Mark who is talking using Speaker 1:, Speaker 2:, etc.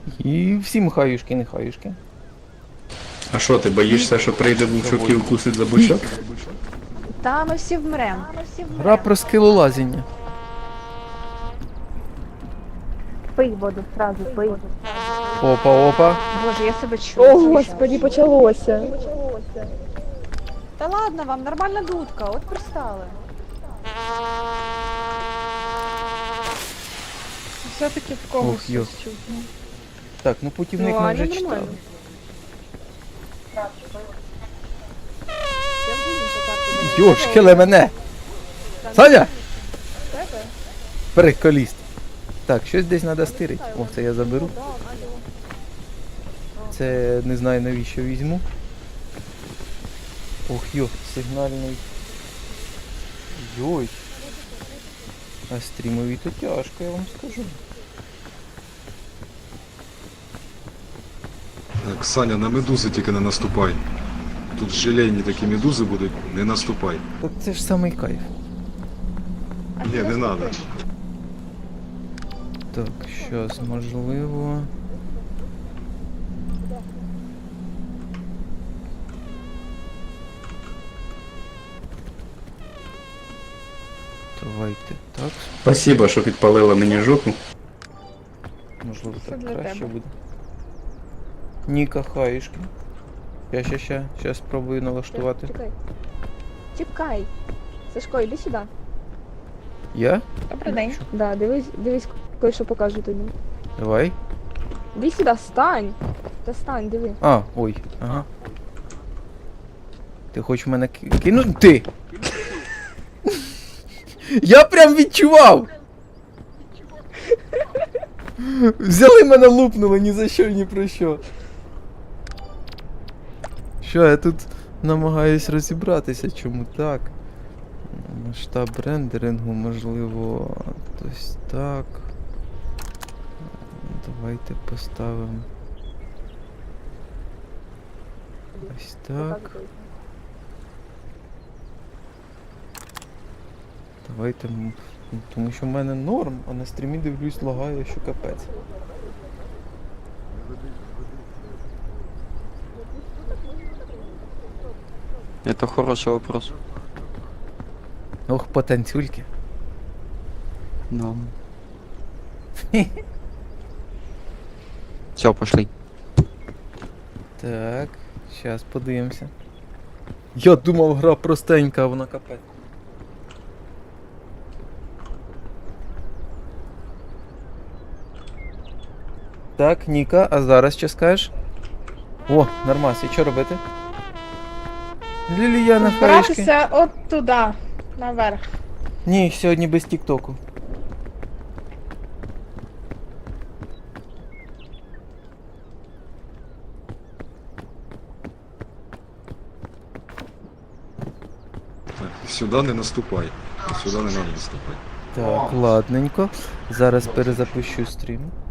Speaker 1: І всім хаюшки, не хаюшки.
Speaker 2: А що, ти боїшся, що прийде вовчок і укусить за бочок?
Speaker 3: Та ми всі вмрем.
Speaker 1: Гра про скелолазіння.
Speaker 3: Пий воду, сразу пий.
Speaker 1: Опа.
Speaker 3: Боже, я себе чую.
Speaker 4: О, господи, почалося.
Speaker 3: Та ладно вам, нормальна дудка, от пристали.
Speaker 4: Все-таки в когось
Speaker 1: Ох, йо.
Speaker 4: щось чутно.
Speaker 1: Так, ну путівник
Speaker 4: Ну,
Speaker 1: ми
Speaker 4: Аня
Speaker 1: вже
Speaker 4: нормально.
Speaker 1: читали. Йошкеле мене! Саня! Приколіст. Так, щось десь треба стирити. О, це я заберу. Це не знаю навіщо візьму. Ох, йо, сигнальний. Йой. А стрімові то тяжко, я вам скажу.
Speaker 5: Так, Саня, на медузи тільки не наступай. Тут желейні такі медузи будуть, не наступай.
Speaker 1: Так це ж самий кайф.
Speaker 5: Ні, не треба.
Speaker 1: Так, щось можливо. Давайте так.
Speaker 2: Спасибо, що підпалила мені жопу.
Speaker 1: Можливо
Speaker 4: Це
Speaker 1: так
Speaker 4: для
Speaker 1: краще
Speaker 4: тебе.
Speaker 1: буде. Ніка хаєшки. Щас спробую налаштувати.
Speaker 3: Чекай. Чекай. Сашко, іди сюди.
Speaker 1: Я?
Speaker 4: Добрий день.
Speaker 3: Да, дивись, кое-що покажу тобі.
Speaker 1: Давай.
Speaker 3: Іди сюди, стань. Та стань, диви.
Speaker 1: А, ой, ага. Ти хочеш мене кинути? Я прям відчував! Взяли мене, лупнули ні за що, ні про що. Що, я тут намагаюсь розібратися, чому так. Масштаб рендерингу, можливо, ось так. Давайте поставимо. Ось так. Давайте, тому що в мене норм, а на стрімі дивлюсь, лагає, що капець.
Speaker 6: Это хороший вопрос.
Speaker 1: Ох, потанцюльки.
Speaker 6: Ну. Все, пошли.
Speaker 1: Так, зараз подивимося. Я думав, гра простенька, а вона капець. Так, Ніка, а зараз що скажеш? О, нормас, і що робити? Ліліяна хаєшки.
Speaker 4: Збиратися от туди, наверх.
Speaker 1: Ні, сьогодні без тіктоку.
Speaker 5: Так, сюди не наступай. Сюди не треба наступати.
Speaker 1: Так, ладненько. Зараз перезапущу стрім.